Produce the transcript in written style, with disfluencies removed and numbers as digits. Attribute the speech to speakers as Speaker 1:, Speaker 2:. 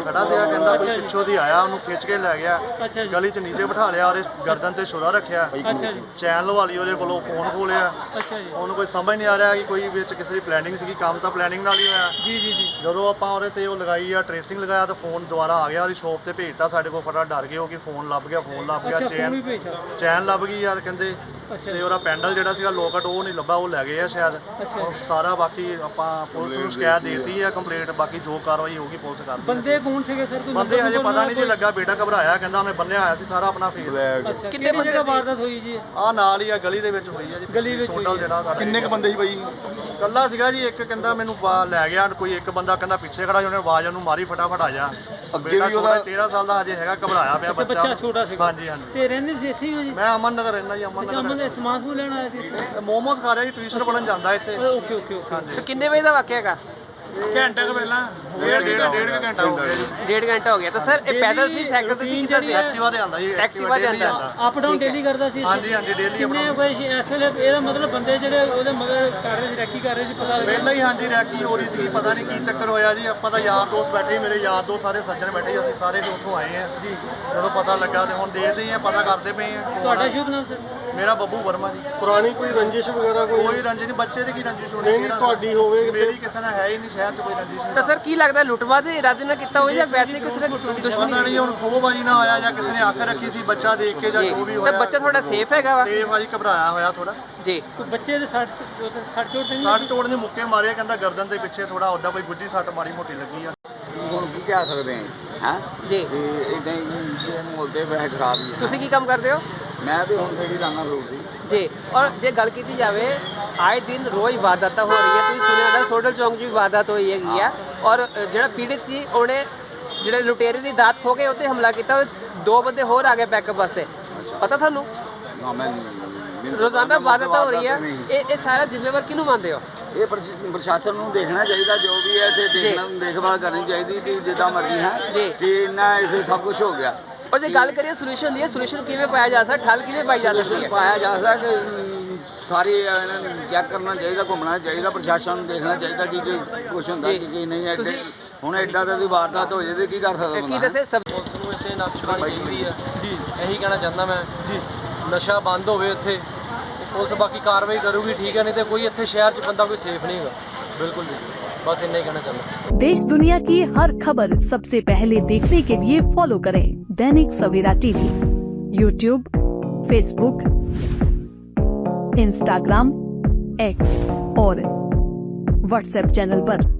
Speaker 1: ਖੜਾ ਸੀਗਾ, ਕਹਿੰਦਾ ਕੋਈ ਪਿੱਛੋਂ ਦੀ ਆਇਆ, ਉਹਨੂੰ ਖਿੱਚ ਕੇ ਲੈ ਗਿਆ, ਗਲੀ 'ਚ ਨੀਚੇ ਬਿਠਾ ਲਿਆ, ਉਹਦੇ ਗਰਦਨ ਤੇ ਛੁਰਾ ਰੱਖਿਆ, ਚੈਨ ਲਵਾ ਲਈ ਉਹਦੇ ਕੋਲੋਂ, ਫੋਨ ਖੋਹ ਲਿਆ। ਉਹਨੂੰ ਕੋਈ ਸਮਝ ਨਹੀਂ ਆ ਰਿਹਾ ਕਿ ਕੋਈ ਵਿੱਚ ਕਿਸੇ ਦੀ ਪਲੈਨਿੰਗ ਸੀਗੀ, ਕੰਮ ਤਾਂ ਪਲੈਨਿੰਗ ਨਾਲ ਹੀ ਹੋਇਆ। ਜਦੋਂ ਆਪਾਂ ਉਹਦੇ ਤੇ ਉਹ ਲਗਾਈ ਆ, ਟ੍ਰੇਸਿੰਗ ਲਗਾਇਆ ਤਾਂ ਫੋਨ ਦੁਬਾਰਾ ਆ ਗਿਆ, ਉਹਦੀ ਸ਼ੋਪ ਤੇ ਭੇਜਤਾ ਸਾਡੇ ਕੋਲ। ਫਟਾ ਡਰ ਗਏ ਉਹ ਕਿ ਫੋਨ ਲੱਭ ਗਿਆ, ਚੈਨ ਲੱਭ ਗਈ ਯਾਰ ਕਹਿੰਦੇ। ਤੇ ਉਹਦਾ ਪੈਂਡਲ ਜਿਹੜਾ ਸੀਗਾ ਲੋਕਟ ਉਹ ਨਹੀਂ ਲੱਭਾ, ਉਹ ਲੈ ਗਏ ਆ ਸ਼ਾਇਦ। ਸਾਰਾ ਬਾਕੀ ਆਪਾਂ ਪੁਲਿਸ ਨੂੰ ਸ਼ਿਕਾਇਤ ਦੇਤੀ ਆ, ਕੰਪਲੇਂਟ, ਬਾਕੀ ਜੋ ਕਾਰਵਾਈ ਹੋਊਗੀ ਪੁਲਿਸ ਕਰਦੀ।
Speaker 2: ਬੰਦੇ ਕੌਣ ਸੀਗੇ ਸਰ?
Speaker 1: ਬੰਦੇ ਹਜੇ ਪਤਾ ਨਹੀਂ ਜੀ ਲੱਗਾ, ਬੇਟਾ ਘਬਰਾਇਆ, ਕਹਿੰਦਾ ਉਹਨੇ ਬੰਨਿਆ ਹੋਇਆ ਸੀ ਸਾਰਾ ਆਪਣਾ ਫੇਸ।
Speaker 2: ਕਿੰਨੇ ਬੰਦੇ ਦੀ ਵਾਰਦਾਤ ਹੋਈ ਜੀ?
Speaker 1: ਆ ਨਾਲ ਹੀ ਆ ਗਲੀ ਦੇ ਵਿੱਚ ਹੋਈ ਆ ਜੀ, ਗਲੀ ਵਿੱਚ ਸੋਡਲ ਜਿਹੜਾ ਸਾਡਾ।
Speaker 3: ਕਿੰਨੇ ਕ ਬੰਦੇ ਸੀ ਬਾਈ?
Speaker 1: ਕੱਲਾ ਸੀਗਾ ਜੀ, ਇੱਕ ਕਹਿੰਦਾ ਮੈਨੂੰ ਲੈ ਗਿਆ, ਕੋਈ ਇੱਕ ਬੰਦਾ ਕਹਿੰਦਾ ਪਿੱਛੇ ਖੜਾ, ਉਹਨੇ ਆਵਾਜ਼ ਉਹਨੂੰ ਮਾਰੀ, ਫਟਾਫਟ ਆ ਜਾ।
Speaker 3: ਅੱਗੇ ਵੀ ਉਹਦਾ
Speaker 1: 13 ਸਾਲ ਦਾ ਹਜੇ ਹੈਗਾ, ਘਬਰਾਇਆ ਪਿਆ
Speaker 2: ਬੱਚਾ ਛੋਟਾ ਸੀਗਾ।
Speaker 1: ਹਾਂਜੀ ਹਾਂਜੀ।
Speaker 2: ਤੇ ਰਹਿੰਦੇ ਸੀ ਇੱਥੇ ਹੀ ਜੀ?
Speaker 1: ਮੈਂ ਅਮਨ ਨਗਰ ਰਹਿੰਦਾ ਜੀ, ਅਮਨ ਨਗਰ।
Speaker 2: ਦੇ ਸਮਾਨ ਸਮੂਨ ਲੈਣ ਆਇਆ ਸੀ?
Speaker 1: ਮੋਮੋਸ ਖਾ ਰਿਹਾ ਜੀ, ਟਿਊਸ਼ਨ ਪੜਨ ਜਾਂਦਾ ਇੱਥੇ।
Speaker 2: Okay okay okay.
Speaker 4: ਕਿੰਨੇ ਵਜੇ ਦਾ ਵਾਕਿਆ ਹੈਗਾ?
Speaker 2: ਘੰਟਾ ਕੁ ਪਹਿਲਾਂ।
Speaker 1: ਡੇਢ ਘੰਟਾ ਹੋ ਗਿਆ ਜੀ।
Speaker 4: 1.5 ਘੰਟਾ ਹੋ ਗਿਆ। ਤਾਂ ਸਰ ਇਹ ਪੈਦਲ ਸੀ, ਸਾਈਕਲ ਤੇ ਸੀ, ਕਿੱਦਾਂ ਸੀ?
Speaker 1: ਐਕਟਿਵਾ ਤੇ ਆਂਦਾ ਜੀ,
Speaker 4: ਐਕਟਿਵਾ ਤੇ ਆਂਦਾ।
Speaker 2: ਅਪ ਡਾਊਨ ਡੇਲੀ ਕਰਦਾ ਸੀ?
Speaker 1: ਹਾਂਜੀ ਹਾਂਜੀ, ਡੇਲੀ
Speaker 2: ਕਿੰਨੇ ਕੋਈ ਇਸ ਵੇਲੇ ਇਹਦਾ ਮਤਲਬ ਬੰਦੇ ਜਿਹੜੇ ਉਹਦੇ ਮਗਰ ਕਰ ਰਹੇ ਸੀ, ਰੈਕੀ ਕਰ ਰਹੇ ਸੀ, ਪਤਾ ਲੱਗਿਆ?
Speaker 1: ਪਹਿਲਾਂ ਹੀ ਹਾਂਜੀ ਰੈਕੀ ਹੋ ਰਹੀ ਸੀ, ਪਤਾ ਨਹੀਂ ਕੀ ਚੱਕਰ ਹੋਇਆ ਜੀ। ਆਪਾਂ ਤਾਂ ਯਾਰ ਦੋਸਤ ਬੈਠੇ, ਮੇਰੇ ਯਾਰ ਦੋਸਤ ਸਾਰੇ ਸੱਜਣ ਬੈਠੇ, ਅਸੀਂ ਸਾਰੇ ਉੱਥੋਂ ਆਏ ਆ ਜੀ। ਜਦੋਂ ਪਤਾ ਲੱਗਾ ਤੇ ਹੁਣ ਦੇਖਦੇ ਆ, ਪਤਾ ਕਰਦੇ ਪਏ ਆ।
Speaker 2: ਤੁਹਾਡਾ ਸ਼ੁਭ ਨਾਮ ਸਰ?
Speaker 1: ਮੇਰਾ ਬੱਬੂ ਵਰਮਾ ਜੀ।
Speaker 3: ਪੁਰਾਣੀ ਕੋਈ ਰੰਜਿਸ਼ ਵਗੈਰਾ
Speaker 1: ਕੋਈ ਰੰਜਿਸ਼ ਨਹੀਂ, ਬੱਚੇ ਦੀ ਕੀ ਰੰਜਿਸ਼ ਹੋਣੀ?
Speaker 3: ਨਹੀਂ ਤੁਹਾਡੀ ਹੋਵੇ?
Speaker 1: ਮੇਰੀ ਕਿਸੇ ਨਾਲ ਹੈ ਹੀ ਨਹੀਂ, ਸ਼ਹਿਰ 'ਚ ਕੋਈ ਰੰਜਿਸ਼ ਨਹੀਂ।
Speaker 4: ਤਾਂ ਸਰ ਕੀ ਲੱਗਦਾ, ਲੁੱਟਮਾਰ ਦੇ ਇਰਾਦੇ ਨਾਲ ਕੀਤਾ ਹੋਇਆ ਜਾਂ ਵੈਸੇ ਕਿਸੇ ਨੇ ਦੁਸ਼ਮਣੀ?
Speaker 1: ਪਤਾ ਨਹੀਂ ਹੁਣ ਖੋਹਬਾਜੀ ਨਾ ਹੋਇਆ ਜਾਂ ਕਿਸੇ ਨੇ ਅੱਖ ਰੱਖੀ ਸੀ ਬੱਚਾ ਦੇਖ ਕੇ ਜਾਂ ਜੋ ਵੀ
Speaker 4: ਤਾਂ
Speaker 1: ਹੋਇਆ।
Speaker 4: ਬੱਚਾ ਤੁਹਾਡਾ ਸੇਫ ਹੈਗਾ ਵਾ?
Speaker 1: ਸੇਫ ਆ ਜੀ, ਘਬਰਾਇਆ ਹੋਇਆ ਥੋੜਾ
Speaker 4: ਜੀ।
Speaker 2: ਬੱਚੇ ਦੇ ਸੱਟ ਚੋਟ ਨਹੀਂ?
Speaker 1: ਸੱਟ ਚੋਟ ਦੇ ਮੁੱਕੇ ਮਾਰੇ, ਕਹਿੰਦਾ ਗਰਦਨ ਦੇ ਪਿੱਛੇ ਥੋੜਾ ਉੱਦਾਂ ਕੋਈ ਗੁੱਜੀ ਸੱਟ ਮਾੜੀ ਮੋਟੀ ਲੱਗੀ ਆ।
Speaker 5: ਹੁਣ ਕੀ ਕਹਿ ਸਕਦੇ ਹਾਂ
Speaker 4: ਜੀ।
Speaker 5: ਤੇ ਇਦਾਂ ਹੀ ਮਾਹੌਲ ਤੇ ਵੈਸੇ ਖਰਾਬ ਹੀ ਹੈ।
Speaker 4: ਤੁਸੀਂ ਕੀ ਕੰਮ ਕਰਦੇ ਹੋ?
Speaker 5: ਮੈਂ ਤੇ ਹੁਣ ਜਿਹੜੀ ਲਾਂਗਾ ਰੋਡ ਦੀ
Speaker 4: ਜੀ। ਔਰ ਜੇ ਗੱਲ ਕੀਤੀ ਜਾਵੇ, ਆਏ ਦਿਨ ਰੋਜ਼ ਵਾਰਦਾਤਾਂ ਹੋ ਰਹੀ ਹੈ। ਤੁਸੀਂ ਸੁਣਿਆ ਹੋਣਾ ਸੋਡਲ ਚੌਂਕ 'ਚ ਵੀ ਵਾਰਦਾਤ ਹੋਈ ਹੈਗੀ ਆ। ਔਰ ਜਿਹੜਾ ਪੀੜਿਤ ਸੀ ਉਹਨੇ ਜਿਹੜੇ ਲੁਟੇਰੇ ਦੀ ਦਾਤ ਖੋ ਕੇ ਉੱਤੇ ਹਮਲਾ ਕੀਤਾ, 2 ਬੰਦੇ ਹੋਰ ਆ ਗਏ ਬੈਕਅਪ ਵਾਸਤੇ। ਪਤਾ ਤੁਹਾਨੂੰ?
Speaker 5: ਨਾ ਮੈਂ
Speaker 4: ਰੋਜ਼ਾਨਾ ਵਾਰਦਾਤਾਂ ਹੋ ਰਹੀ ਹੈ, ਇਹ ਸਾਰਾ ਜ਼ਿੰਮੇਵਾਰ ਕਿਹਨੂੰ ਮੰਨਦੇ ਹੋ?
Speaker 5: ਇਹ ਪ੍ਰਸ਼ਾਸਨ ਨੂੰ ਦੇਖਣਾ ਚਾਹੀਦਾ, ਜੋ ਵੀ ਹੈ ਤੇ ਦੇਖਣਾ, ਦੇਖਭਾਲ ਕਰਨੀ ਚਾਹੀਦੀ ਕਿ ਜਿੱਦਾਂ ਮਰਜ਼ੀ ਹੈ ਕਿ ਇੰਨਾ ਇੱਥੇ ਸਭ ਕੁਝ ਹੋ ਗਿਆ।
Speaker 4: ਔਰ ਜੇ ਗੱਲ ਕਰੀਏ ਸੋਲੂਸ਼ਨ ਦੀ, ਸੋਲੂਸ਼ਨ ਕਿਵੇਂ ਪਾਇਆ ਜਾ ਸਕਦਾ, ਠੱਲ ਕਿਵੇਂ ਪਾਈ ਜਾ ਸਕਦੀ ਹੈ?
Speaker 5: ਪਾਇਆ ਜਾ ਸਕਦਾ ਕਿ ਸਾਰੇ ਇਹਨਾਂ ਨੂੰ ਚੈੱਕ ਕਰਨਾ ਚਾਹੀਦਾ, ਘੁੰਮਣਾ ਚਾਹੀਦਾ, ਪ੍ਰਸ਼ਾਸਨ ਨੂੰ ਦੇਖਣਾ ਚਾਹੀਦਾ ਕਿ ਕੁਛ ਹੁੰਦਾ ਕਿ ਨਹੀਂ। ਐਡੇ ਹੁਣ ਐਡਾ ਤਾਂ ਦੀ ਵਾਰਦਾਤ ਹੋ ਜੇ ਤੇ ਕੀ ਕਰ ਸਕਦਾ
Speaker 4: ਕੀ
Speaker 5: ਬੰਦਾ?
Speaker 4: ਦੱਸੇ ਸਭ
Speaker 6: ਪੁਲਿਸ ਨੂੰ ਇੱਥੇ ਨੱਥ ਪਾਉਣੀ ਚਾਹੀਦੀ ਹੈ ਜੀ, ਇਹੀ ਕਹਿਣਾ ਚਾਹੁੰਦਾ ਮੈਂ ਜੀ। ਨਸ਼ਾ ਬੰਦ ਹੋਵੇ ਇੱਥੇ, ਪੁਲਿਸ ਬਾਕੀ ਕਾਰਵਾਈ ਕਰੂਗੀ, ਠੀਕ ਹੈ, ਨਹੀਂ ਤੇ ਕੋਈ ਇੱਥੇ ਸ਼ਹਿਰ 'ਚ ਬੰਦਾ ਕੋਈ ਸੇਫ ਨਹੀਂ ਹੈਗਾ, ਬਿਲकुल भी। बस इतना ही कहना चाहता हूँ।
Speaker 7: देश दुनिया की हर खबर सबसे पहले देखने के लिए फॉलो करें Dainik Savera TV, YouTube, Facebook, Instagram, X और व्हाट्सएप चैनल पर।